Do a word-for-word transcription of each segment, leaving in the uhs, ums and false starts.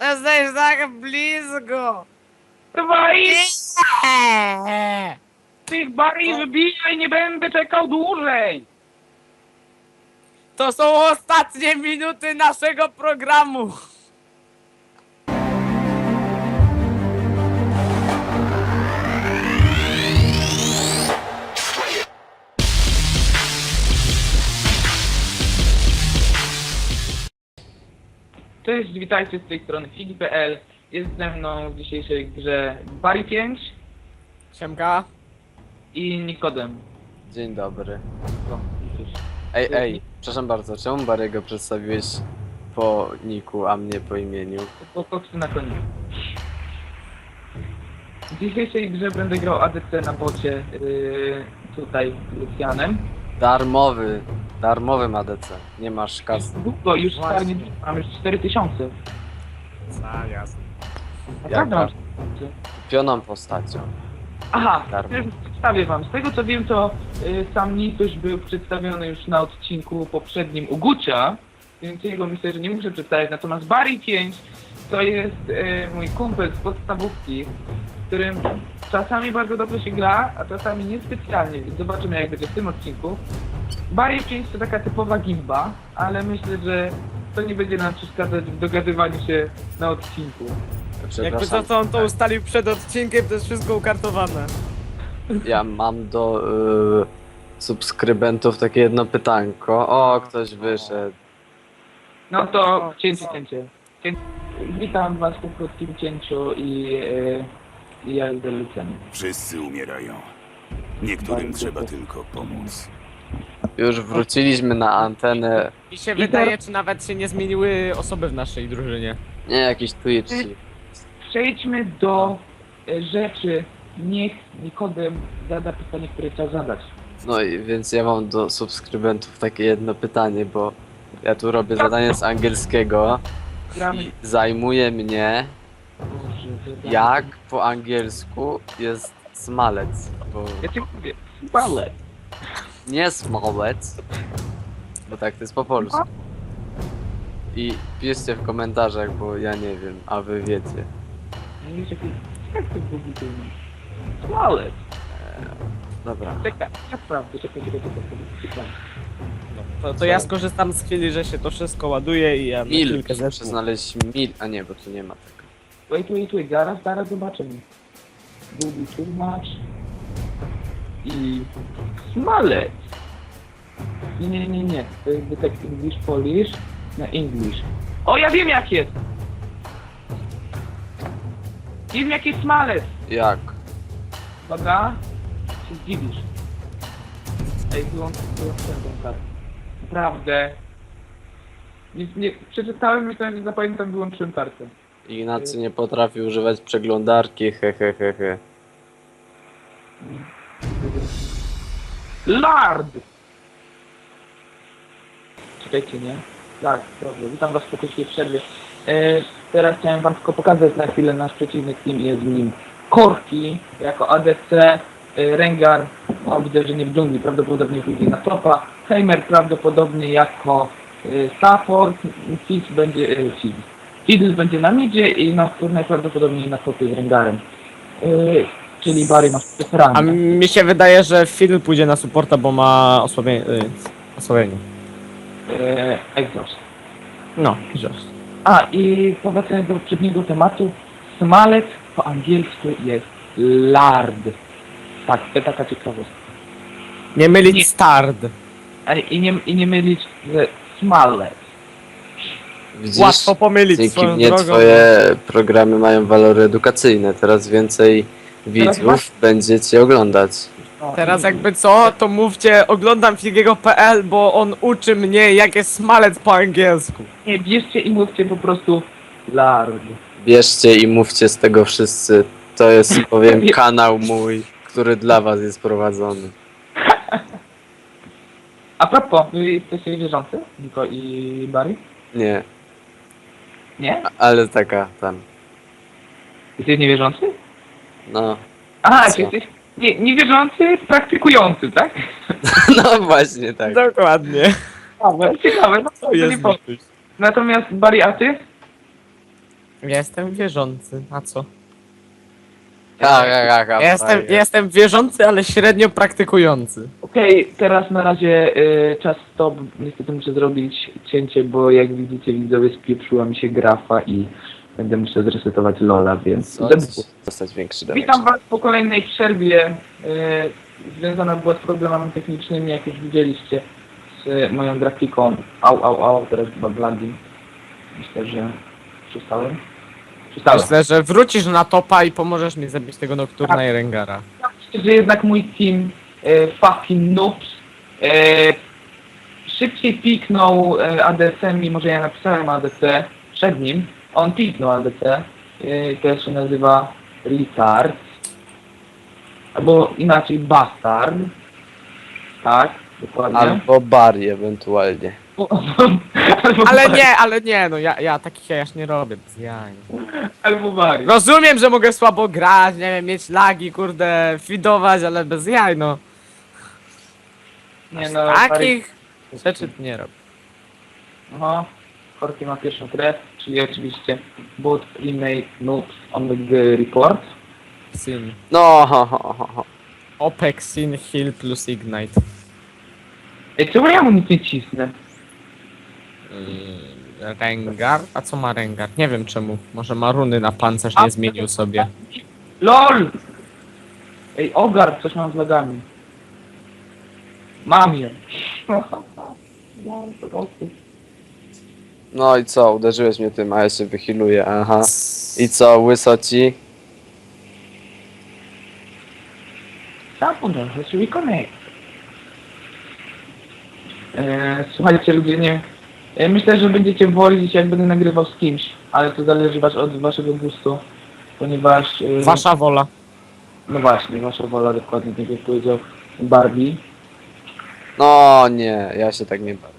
Jesteś tak blisko! Dawaj! Nie! Tych bari wybijaj, nie będę czekał dłużej! To są ostatnie minuty naszego programu! Cześć, witajcie z tej strony Figi kropka p l. Jest ze mną w dzisiejszej grze Bari pięć Siemka. i Nikodem. Dzień dobry. O, widzisz. Ej, ej, przepraszam bardzo, czemu Barego przedstawiłeś po niku, a mnie po imieniu? Po koksy na koniec. W dzisiejszej grze będę grał A D C na bocie yy, tutaj Lucianem. Darmowy, darmowy A D C. Nie masz kasy. Długo, już Właśnie. stary, mam już cztery tysiące. A, jasne. Naprawdę mam Jaka? cztery tysiące. Kupioną postacią. Aha, Darmo. teraz przedstawię wam. Z tego co wiem, to y, sam Nituś był przedstawiony już na odcinku poprzednim u Gucia, więc jego myślę, że nie muszę przedstawiać. Natomiast Bari pięć to jest y, mój kumpel z podstawówki, z którym czasami bardzo dobrze się gra, a czasami niespecjalnie, więc zobaczymy jak będzie w tym odcinku. Bari pięć to taka typowa gimba, ale myślę, że to nie będzie nam przeszkadzać w dogadywaniu się na odcinku. Jakby to, Przepraszam, co on to ustalił przed odcinkiem, to jest wszystko ukartowane. ja mam do y, subskrybentów takie jedno pytanko. O, ktoś wyszedł. No to cięcie, cięcie. Cię... Witam was po krótkim cięciu i, e, i ja idę Lucianem. Wszyscy umierają. Niektórym trzeba tylko pomóc. Już wróciliśmy na antenę. Mi się I wydaje, teraz- czy nawet się nie zmieniły osoby w naszej drużynie. Nie, jakiś Twitch. Przejdźmy do e, rzeczy. Niech Nikodem zada pytanie, które chciał zadać. No i więc ja mam do subskrybentów takie jedno pytanie, bo ja tu robię zadanie z angielskiego Gramy. i zajmuje mnie, Boże, zadamy. jak po angielsku jest smalec, bo Ja ci mówię. Balet. nie smalec, bo tak to jest po polsku. I piszcie w komentarzach, bo ja nie wiem, a wy wiecie. Nie wiesz, jaki... Jak to był budynek? Balet. Dobra. Czekaj, ja sprawdzę. Czekaj, czekaj, czekaj. czekaj. To, to ja skorzystam z chwili, że się to wszystko ładuje i ja na Mil, chwilkę muszę zepnę. znaleźć mil, a nie, bo tu nie ma tego. Wait, wait, wait. Zaraz, zaraz zobaczymy. Google tłumacz. I... Smalec. Nie, nie, nie, nie. To jest tak English, Polish na English. O, ja wiem jak jest! Wiem jak jest smalec! Jak? Uwaga. Się zdziwisz. Ej, wyłącz, wyłącz tę kartę. Naprawdę. Nie, nie, przeczytałem, myślałem, że zapamiętam, wyłączyłem kartę. Ignacy nie potrafi używać przeglądarki, he he he he. Lard! Czekajcie, nie? Tak, dobrze. Witam was po krótkiej przerwie. E, teraz chciałem wam tylko pokazać na chwilę nasz przeciwnik team. Jest w nim Korki jako A D C, e, Rengar, o, widzę, że nie w dżungli, prawdopodobnie pójdzie na topa, Heimer prawdopodobnie jako e, support, Fizz będzie, e, Fizz. Fiddle będzie na midzie i na najprawdopodobniej na topie z Rengarem. E, czyli Barry masz A ranę. mi się wydaje, że Phil pójdzie na supporta, bo ma osłabienie. Y, osłabienie. E, Exhaust. No, just. A i powracając do poprzedniego tematu, smalec po angielsku jest lard. Tak, to taka ciekawostka. Nie mylić Nie. stard. A I nie, i nie mylić ze smalec. Widzisz? Łatwo pomylić Dzięki swoją mnie drogą. twoje programy mają walory edukacyjne. Teraz więcej widzów masz- będzie cię oglądać. O, Teraz jakby co, to mówcie, oglądam Figiego kropka p l, bo on uczy mnie, jak jest smalec po angielsku. Nie, bierzcie i mówcie po prostu lard. Bierzcie i mówcie z tego wszyscy. To jest, powiem, kanał mój, który dla was jest prowadzony. A propos, wy jesteście wierzący? Niko i Barry? Nie, Nie? a- ale taka tam. Jesteś niewierzący? No, A, Co? czy jesteś nie, niewierzący, praktykujący, tak? no właśnie tak. Dokładnie. Ciekawe, ciekawe, no to To nie jest powiem. Natomiast Barry, a ty? Ja jestem wierzący, a co? Ha, ha, ha, ha, Ja jestem, frajer. ja jestem wierzący, ale średnio praktykujący. Okej, teraz na razie y, czas stop. Niestety muszę zrobić cięcie, bo jak widzicie widzowie spieprzyła mi się grafa i będę musiał zresetować Lola, więc... Co? Dostać większy damage. Witam was po kolejnej przerwie. Y, związana była z problemami technicznymi, jak już widzieliście, z moją grafiką. Au, au, au, teraz chyba blandi. Myślę, że przestałem. Przestałem. Myślę, że wrócisz na topa i pomożesz mi zabić tego Nocturna i Rengara. Myślę, że jednak mój team e, fucking noobs e, szybciej piknął e, A D C, mimo że ja napisałem A D C przed nim. On piknął A D C. E, to się nazywa Retard. Albo inaczej Bastard. Tak, dokładnie. Albo Bari ewentualnie. Albo Ale Bari. nie, ale nie, no ja, ja takich jajasz nie robię, bez jaj. Albo Bari. Rozumiem, że mogę słabo grać, nie wiem, mieć lagi, kurde, fidować, ale bez jaj, no. Nie no, Bari. Takich rzeczy nie robię. Aha. Korki ma pierwszą krew, czyli oczywiście bot remake noobs on the report. Sin. No, ho, ho, ho, ho. Opex, Sin, Heal plus Ignite. Ej, czemu ja mu nic nie cisnę? Yy, Rengar? A co ma Rengar? Nie wiem czemu. Może ma runy na pancerz nie zmienił sobie. LOL! Ej, ogar, coś mam z lagami. Mam je. No i co, uderzyłeś mnie tym, a ja się wychiluję, aha. I co, łysoci? Zapomniałem, że się reconnect. Eee, słuchajcie ludzie, nie... Ja myślę, że będziecie wolić jak będę nagrywał z kimś, ale to zależy was od waszego gustu, ponieważ... e, Wasza wola. No właśnie, wasza wola dokładnie, tak jak powiedział Barbie. No nie, ja się tak nie bawię.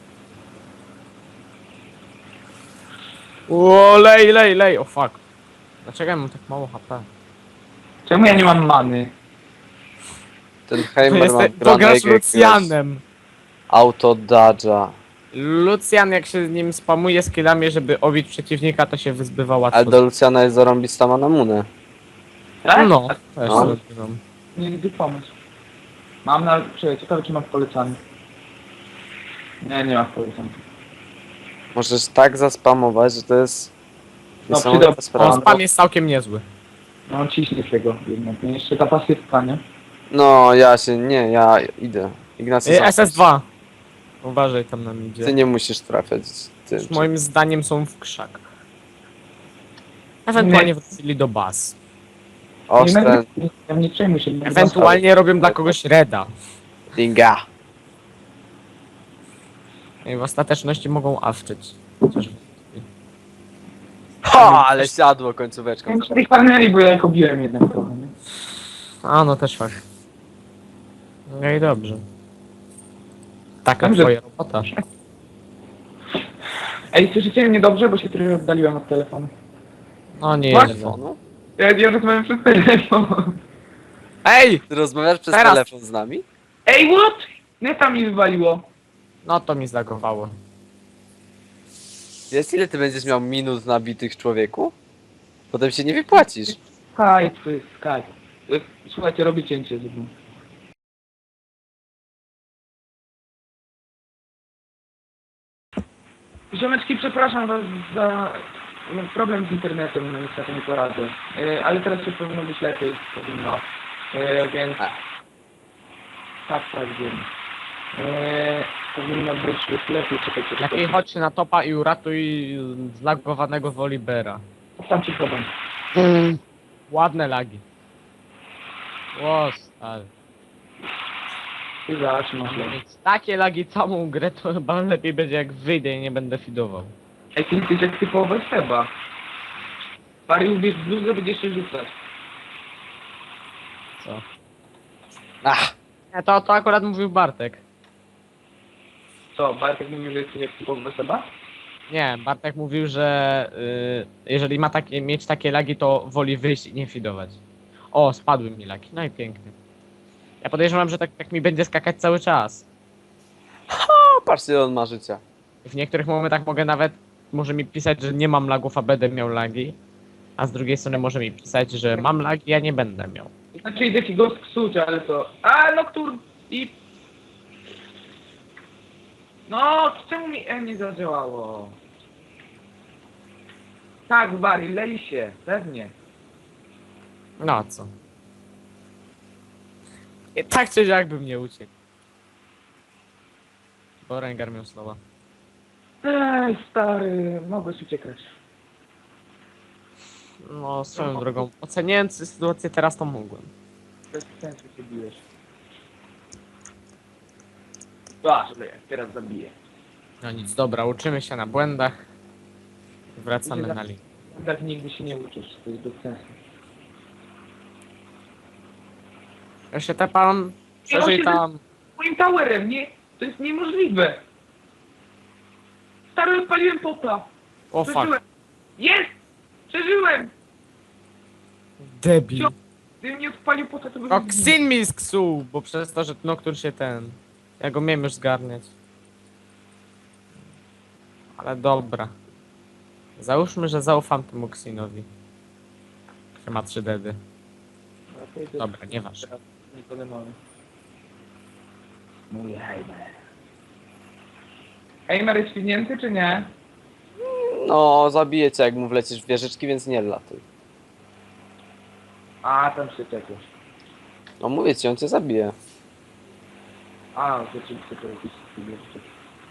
O, lej, lej, lej, o fuck. Dlaczego ja mam tak mało H P? Czemu ja nie mam many? Ten Heimer ma Jeste- Pograsz granek jakiegoś Lucianem. auto dodge'a. Lucian jak się z nim spamuje skillami, żeby obić przeciwnika, to się wyzbywa łatwo. Ale do Luciana jest zarąbista manamunę. Tak? No, też No. zrobiłem. Nie widzę pomysł. Mam na... Czekaj, ciekawe czy mam w polecaniu. Nie, nie mam w polecaniu. Możesz tak zaspamować, że to jest No, niesamowita przydał- sprawa. On spam jest całkiem niezły. No ciśnie tego jednak. No, jeszcze ta pasywka, nie? No ja się, nie, ja idę. Ignacy, Y, sam- S S dwa. Uważaj tam na midzie. ty nie musisz trafiać z tym. Już moim zdaniem są w krzakach. Ewentualnie wrócili do baz. Oż nie, ten, nie, nie, nie przejmuj się. nie Ewentualnie robią dla kogoś reda. dinga. I w ostateczności mogą awczyć. Chociaż... Ha, ale siadło końcóweczką. Nie tych paneli, bo ja ich obiłem jednak trochę, nie? A no też fakt. No i dobrze. Taka Dobrze. twoja robota. Ej, słyszycie mnie dobrze, bo się trochę oddaliłem od telefonu. No nie. Właśnie. Telefonu? Ja, ja rozmawiam przez telefon. Ej! Ty rozmawiasz przez Teraz. telefon z nami? Ej, what? Neta mi wywaliło. No to mi zlagowało. Jest ile ty będziesz miał minut nabitych człowieku? Potem się nie wypłacisz. Skype, Skype. Y, Słuchajcie, robię cięcie. Żeby... Ziomeczki, przepraszam was za no, problem z internetem, no niestety nie poradzę. Y, ale teraz się powinno być lepiej, powinno. Y, więc... A. Tak, tak, wiem. Y, powinno być już lepiej, czekajcie. Lepiej czekajcie. chodź na topa i uratuj zlagowanego Wolibera. Tam ci problem. Ładne lagi. Łos, ale. I zacznę. Mieć takie lagi całą grę, to chyba lepiej będzie jak wyjdę i nie będę fidował. Ej, ty jesteś jak typowe Seba. Pary ubierz bluzę, będziesz się rzucać. Co? Ach, Nie, to, to akurat mówił Bartek. Co, Bartek mówił, że jesteś jak typowe Seba? Nie, Bartek mówił, że y, jeżeli ma takie, mieć takie lagi, to woli wyjść i nie fidować. O, spadły mi lagi, no i pięknie. Ja podejrzewam, że tak, tak mi będzie skakać cały czas. o, patrzcie ile on ma życia. W niektórych momentach mogę nawet może mi pisać, że nie mam lagów, a będę miał lagi. A z drugiej strony może mi pisać, że mam lagi, a nie będę miał. Znaczy idę ci go sksuć, ale to... A, Nocturne i... No, czemu mi E nie zadziałało? Tak, Barry, lej się, pewnie. No a co? I tak czy jak bym nie uciekł. Bo Rengar miał słowa. Ej, stary, mogłeś uciekać. No, swoją drogą. Oceniając sytuację teraz, to mogłem. Bez sensu się bijesz. A, sobie, teraz zabiję. No nic, dobra, uczymy się na błędach. Wracamy na linię. Tak nigdy się nie uczysz, to jest bez sensu. Ja się tepam, przeżyj tam. Moim towerem, nie, to jest niemożliwe. Stary, odpaliłem popa. O fuck. Przeżyłem. Jest! Przeżyłem! Debil. Gdybym nie odpalił pota, to bym No, zginął. Xin mi sksuł, bo przez to, że Nocturne się ten... Ja go miałem już zgarniać. Ale dobra. Załóżmy, że zaufam temu Xinowi. Który ma trzy dedy. Dobra, nieważne. Nikogo mamy. Mój Heimer. Heimer jest świnięty, czy nie? No, zabiję cię, jak mu wlecisz w wieżyczki, więc nie latuj. A, tam się czepiasz. No mówię ci, on cię zabije. A, rzeczywiście to jakiś jeszcze.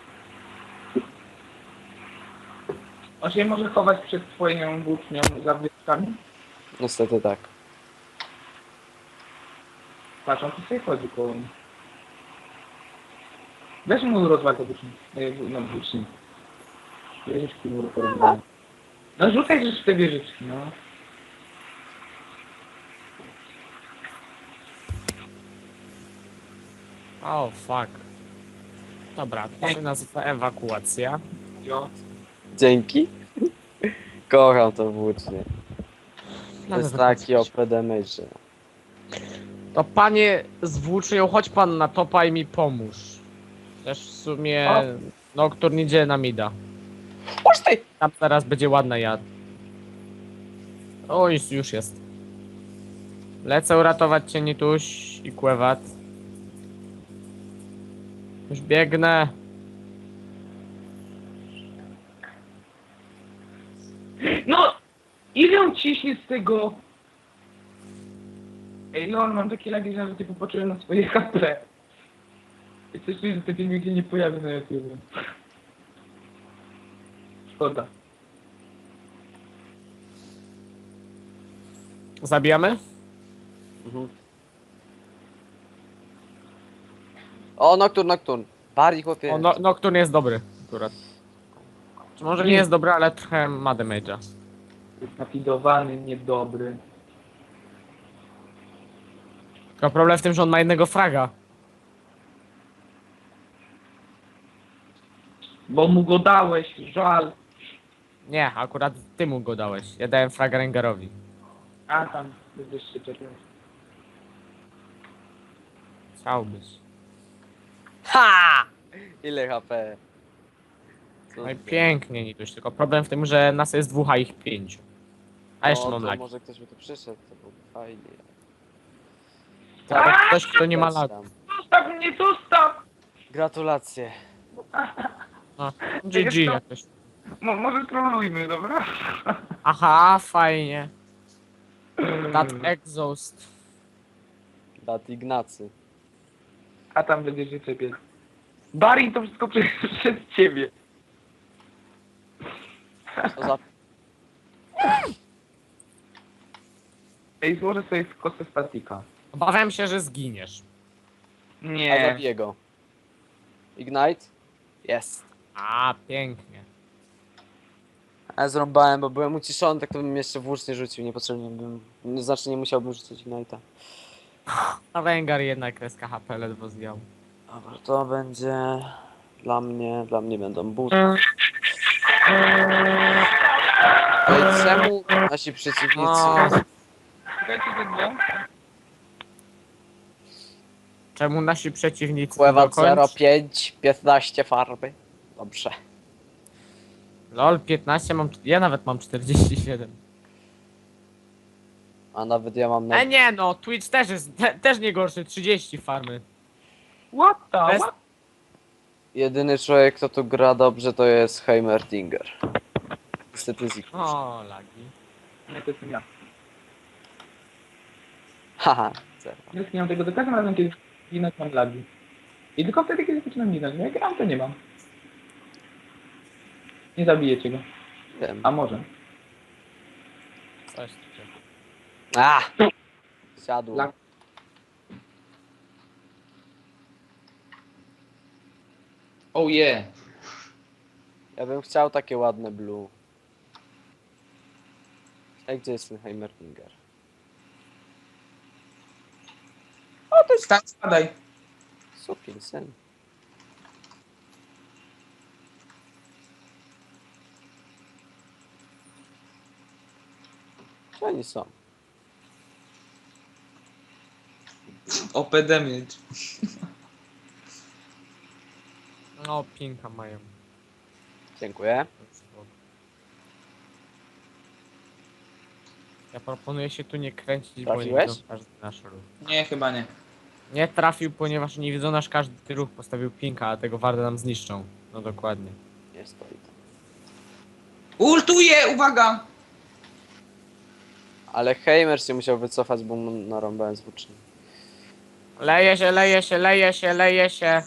On się może chować przed twoją włócznią za wyskami? Niestety tak. Patrz, on tu sobie chodzi koło mnie. Weź mu rozwal to włócznię. No, włócznię. Wieżyczki mu rozwal. No rzucaj rzecz w te wieżyczki, no. O, fuck. Dobra, to się nazywa ewakuacja. Jo. Dzięki. Kocham to włócznie. To jest Nawet taki O P damage. To panie z włócznią, chodź pan na topa i mi pomóż. Też w sumie O. Nocturne idzie na mida. Chodź ty! Tam teraz będzie ładna jad. O, już, już jest. Lecę uratować cię Nituś i Kłewat. Już biegnę. No! Ile on ciśnie z tego? Ej, lol, mam takie lagi, że nawet nie popatrzyłem na swoje H P. I coś czuję, że te filmiki się nie pojawią na YouTube. Szkoda. Zabijamy? Mhm. O, Nocturne, Nocturne. Bardziej chłopie. O, no, Nocturne jest dobry akurat. Czy może nie jest dobry, ale trochę ma damage'a. Jest napidowany, niedobry. Tylko problem w tym, że on ma jednego fraga. Bo mu go dałeś, żal. Nie, akurat ty mu go dałeś. Ja dałem fraga Rengarowi. A tam, będziesz się czepiał. Chciałbyś. Ha! Ile H P? Co No i ty? pięknie Nituś, tylko problem w tym, że nas jest dwóch, a ich pięciu. A jeszcze O, mam to lagi. może ktoś by tu przyszedł, to byłoby fajnie. Tak, ktoś, kto nie ma Leć lag. tam. Zostaw mnie, zostaw! Gratulacje. No, G G jakoś. Mo może trolujmy, dobra? Aha, fajnie. That exhaust. Dat Ignacy. A tam będziesz się czepiać. Barry to wszystko przez, przez ciebie. Co za... Ej, złożę sobie w kostę statika. Obawiam się, że zginiesz. A Nie. zabiję go. Ignite? Jest. A, pięknie. A ja zrąbałem, bo byłem uciszony, tak to bym jeszcze włócznie rzucił, niepotrzebnie bym... no, Znaczy nie musiałbym rzucić Ignite'a. A Rengar jednak kreska H P ledwo zjął. Dobra, to będzie... Dla mnie, dla mnie będą buty. Ej, czemu nasi przeciwnicy... O. Czekajcie, tego. Czemu nasi przeciwnicy Pływa do końca- zero pięć, piętnaście farby. Dobrze. Lol, piętnaście mam... Ja nawet mam czterdzieści siedem. A nawet ja mam... Na... E nie no, Twitch też jest, te, też nie gorszy, trzydzieści farmy. What the, Bez- what? Jedyny człowiek, kto tu gra dobrze, to jest Heimerdinger. Niestety z O, lagi. Nie, to jestem ja. Haha, zero. Nie mam tego, za każdym razem, kiedy ginąć mam lagi. I tylko wtedy, kiedy zaczynam ginąć. Jak gram, to nie mam. Nie zabijecie go. Wiem. A może. Coś tu się... A! Siadło. Lag. Oh yeah. Ja bym chciał takie ładne blue. Ej, gdzie jest ten Heimerdinger? O, to jest... Stań, spadaj. Sukin syn. Gdzie oni są? O P D mieć. No, pinka mają. Dziękuję. Ja proponuję się tu nie kręcić, bo nie Trafiłeś? widzą każdy nasz ruch. Nie, chyba nie. Nie trafił, ponieważ nie widzą nasz każdy ruch, postawił pinka, a tego wardę nam zniszczą. No dokładnie. Nie stoi tam. Ultuję, uwaga! Ale Heimer się musiał wycofać, bo mu narąbałem z włóczni. Leje się, leje się, leje się, leje się.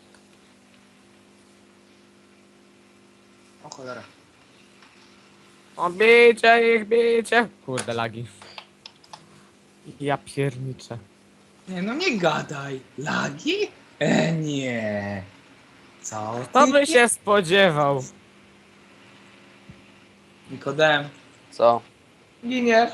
O cholera. O, bicie ich, bicie. Kurde, lagi. Ja pierniczę. Nie, no nie gadaj. Lagi? E, nie. Co? Kto ty? by się spodziewał? Nikodem. Co? Giniesz.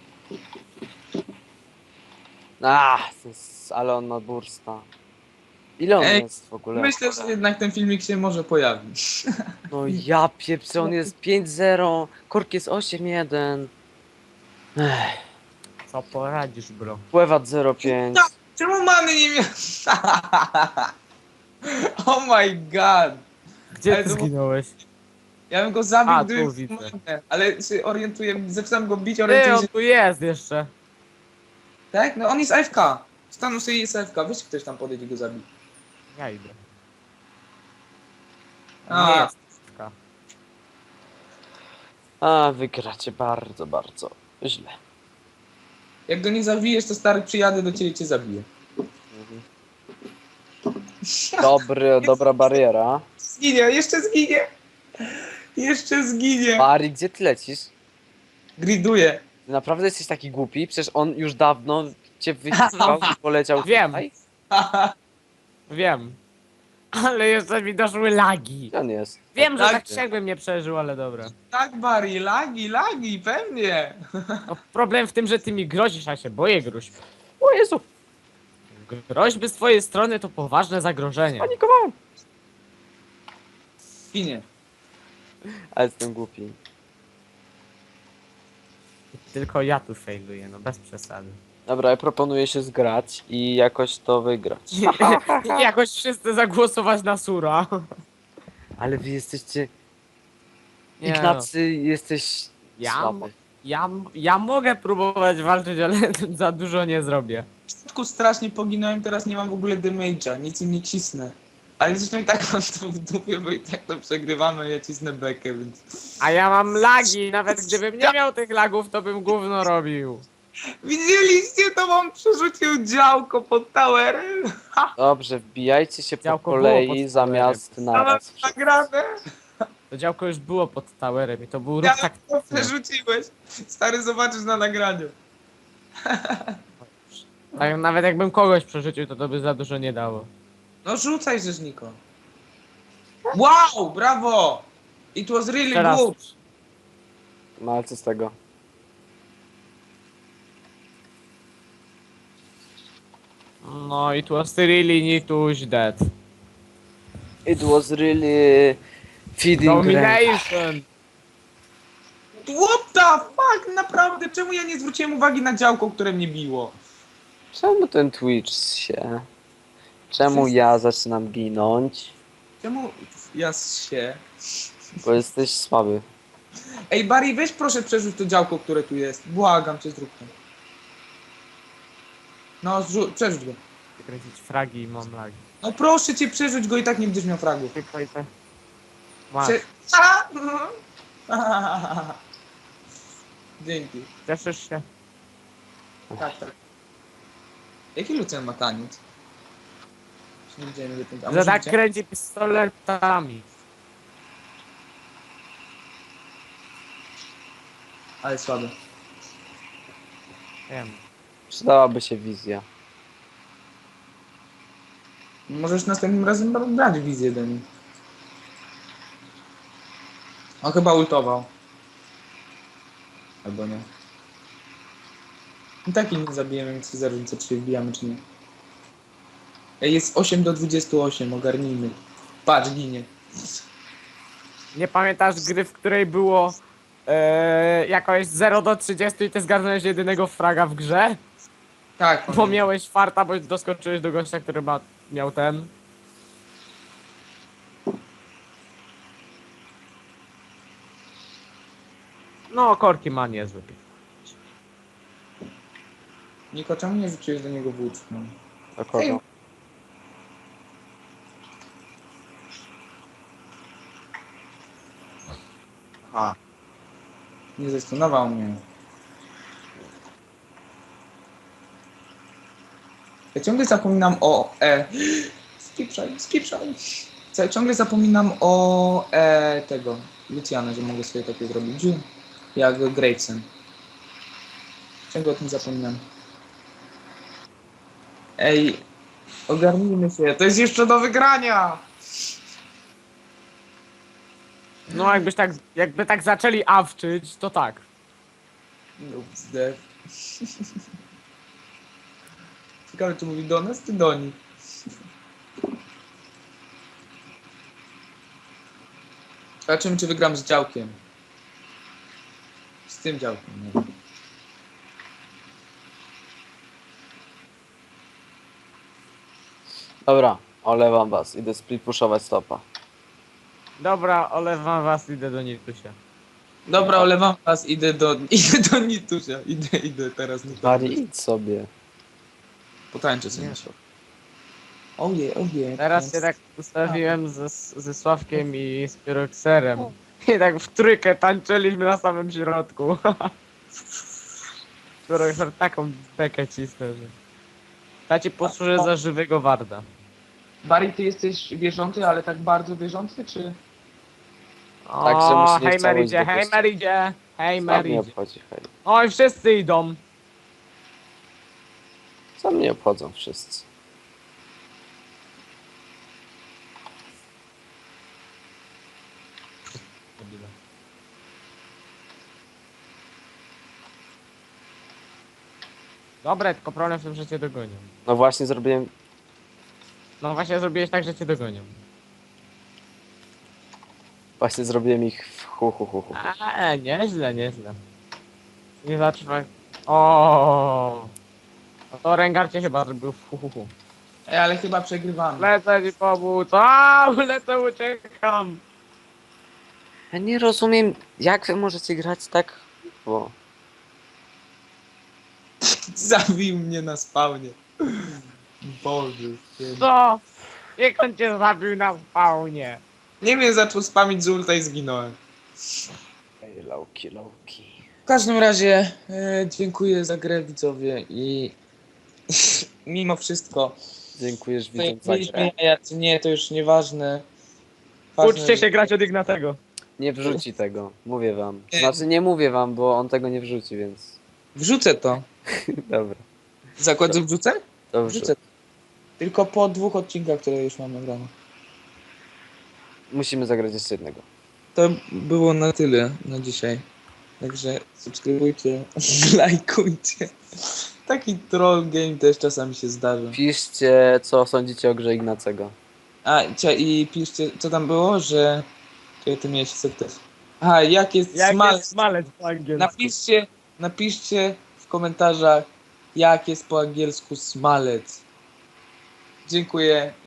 A, to jest, ale on ma bursta. Ile on Ej, jest w ogóle? Myślę, że jednak ten filmik się może pojawić. No ja pieprzę, on jest pięć zero, Kork jest osiem jeden. Ech, Co poradzisz, bro? Pływat zero pięć. No, czemu mamy nie miał? Oh my god. Gdzie Ale ty to- zginąłeś? Ja bym go zabił, A, gdyby... tu widzę. Ale się orientuję, zaczynam go bić, Ty, orientuję on się... tu jest jeszcze. Tak? No on jest A F K. Stanął sobie jest A F K. Weź ktoś tam podejdzie i go zabi. Ja idę. A. Nie jest. taka. A, wygracie bardzo, bardzo źle. Jak go nie zawijesz, to stary przyjadę do ciebie i cię zabiję. Mhm. Dobry, dobra bariera. Zginie, jeszcze zginie. Jeszcze zginie. Bari, gdzie ty lecisz? Griduję. Ty naprawdę jesteś taki głupi? Przecież on już dawno cię wyciskał i poleciał Wiem. tutaj. Wiem. Ale jeszcze mi doszły lagi. Gdzie on jest? Wiem, że Tak. tak trzech bym nie przeżył, ale dobra. Tak, Barry, lagi, lagi, pewnie. No, problem w tym, że ty mi grozisz, a się boję gruźb. O Jezu, Groźby z twojej strony to poważne zagrożenie. panikowałem. Ginie. Ale jestem głupi. Tylko ja tu failuję, no bez przesady. Dobra, ja proponuję się zgrać i jakoś to wygrać. Jakoś wszyscy zagłosować na Sura. Ale wy jesteście... Nie no. Ignacy, jesteś Ja, słaby. ja, ja mogę próbować walczyć, ale za dużo nie zrobię. W początku strasznie poginąłem, teraz nie mam w ogóle damage'a, nic im nie cisnę. Ale zresztą i tak mam to w dupie, bo i tak to przegrywamy, ja cisnę bekę, więc... A ja mam lagi, nawet gdybym nie miał tych lagów, to bym gówno robił. Widzieliście to, wam przerzucił działko pod towerem? Dobrze, wbijajcie się po Działko było kolei pod zamiast Mam naraz. nagrane. To działko już było pod towerem i to był ruch Ja tak... to przerzuciłeś. Stary, zobaczysz na nagraniu. tak. Nawet jakbym kogoś przerzucił, to to by za dużo nie dało. No rzucaj, Rzeźniko. Wow, brawo! It was really Teraz... good. No ale co z tego? No, it was really Nituś dead. It was really feeding rank. Domination! What the fuck, naprawdę, czemu ja nie zwróciłem uwagi na działko, które mnie biło? Czemu ten Twitch się? Czemu ja zaczynam ginąć? Czemu ja się... Bo jesteś słaby. Ej, Barry, weź proszę przerzuć to działko, które tu jest. Błagam cię, zrób to. No, zrzu- przerzuć go. Kręcić fragi i mam lagi. No proszę cię, przerzuć go i tak nie będziesz miał fragów. Tylko i te. Masz. Prze- A! Mhm. Dzięki. Cieszysz się? Tak, tak. Jaki Lucjan ma taniec? Już nie widziałem ile ten... a Że może tak widziałem? kręci pistoletami. Ale słabe. Wiem. Przydałaby się wizja. Możesz następnym razem brać wizję do niej. On chyba ultował. Albo nie. I tak ich nie zabijemy, więc za różnicę, czy się wbijamy, czy nie. Ej, jest osiem do dwudziestu osiem, ogarnijmy. Patrz, ginie. Nie pamiętasz gry, w której było e, jakoś zero do trzydziestu i ty zgarnąłeś jedynego fraga w grze? Tak, Bo pamiętam. miałeś farta, bo doskoczyłeś do gościa, który ma, miał ten. No, korki ma niezły. Niko, czemu nie rzuciłeś do niego włóczką? Do kogo? A. Nie zastunował mnie. Ja ciągle zapominam o E. Skipszaj, skipszaj. Co, ja ciągle zapominam o E tego. Luciana, że mogę sobie takie zrobić. Jak Gravesen. Ciągle o tym zapominam. Ej, ogarnijmy się. To jest jeszcze do wygrania! No, jakbyś tak, jakby tak zaczęli awczyć, to tak. No, zdech. Ciekawe, czy mówi do nas, czy do nich. Zobaczymy, czy wygram z działkiem. Z tym działkiem, nie. Dobra, olewam was. Idę split pushować stopa. Dobra, olewam was, idę do Nitusia. Dobra, olewam was, idę do, idę do Nitusia. Idę, idę teraz. Nie Bari, idź sobie. Potańczę sobie. Nie. Oje, oje. Teraz się tak ustawiłem ze, ze Sławkiem i z Pyrokserem. I tak w trójkę tańczyliśmy na samym środku. Pyrokser taką bekę cisnął, że... Ta ci posłuży za żywego warda. Barry, ty jesteś wierzący, ale tak bardzo wierzący, czy... O, Tak, że musi nie hej chciało Meridzie, iść do hej kości. Meridzie, hej Co mnie Meridzie. obchodzi, hej. Oj, wszyscy idą. Co mnie obchodzą wszyscy? Dobre, tylko problem w tym, że cię dogonią. No właśnie zrobiłem... No właśnie zrobiłeś tak, że cię dogonią. Właśnie zrobiłem ich w hu hu hu hu. A, nieźle, nieźle. Nie zatrzymaj. O. No to Rengar cię chyba zrobił w hu, hu, hu. Ej, ale chyba przegrywamy. Lecę ci pomóc. A, lecę, uciekam. Ja nie rozumiem, jak wy możecie grać tak... Bo... Zabił mnie na spawnie. Boże. święty. Co? Jak on cię zabił na spawnie? Nie wiem, zaczął spamić z ulta i zginąłem. Ej, lowki, lowki. W każdym razie e, dziękuję za grę, widzowie, i mimo wszystko Dziękujesz to widzom jak za mieliśmy grę. jaja, czy nie, to już nieważne. Ważne, Uczcie się grać od Ignatego. Nie wrzuci tego, mówię wam. Nie. Znaczy nie mówię wam, bo on tego nie wrzuci, więc... Wrzucę to. Dobra, Zakład, że wrzucę? dobrze. Wrzucę. Tylko po dwóch odcinkach, które już mam nagrane. Musimy zagrać jeszcze jednego. To było na tyle na dzisiaj. Także subskrybujcie, lajkujcie. Taki troll game też czasami się zdarza. Piszcie, co sądzicie o grze Ignacego. A, cia, i piszcie, co tam było, że... Czekaj, ty miałeś sekret. Aha, jak jest Jak smalec. jest smalec po angielsku? Napiszcie, napiszcie w komentarzach, jak jest po angielsku smalec. Dziękuję.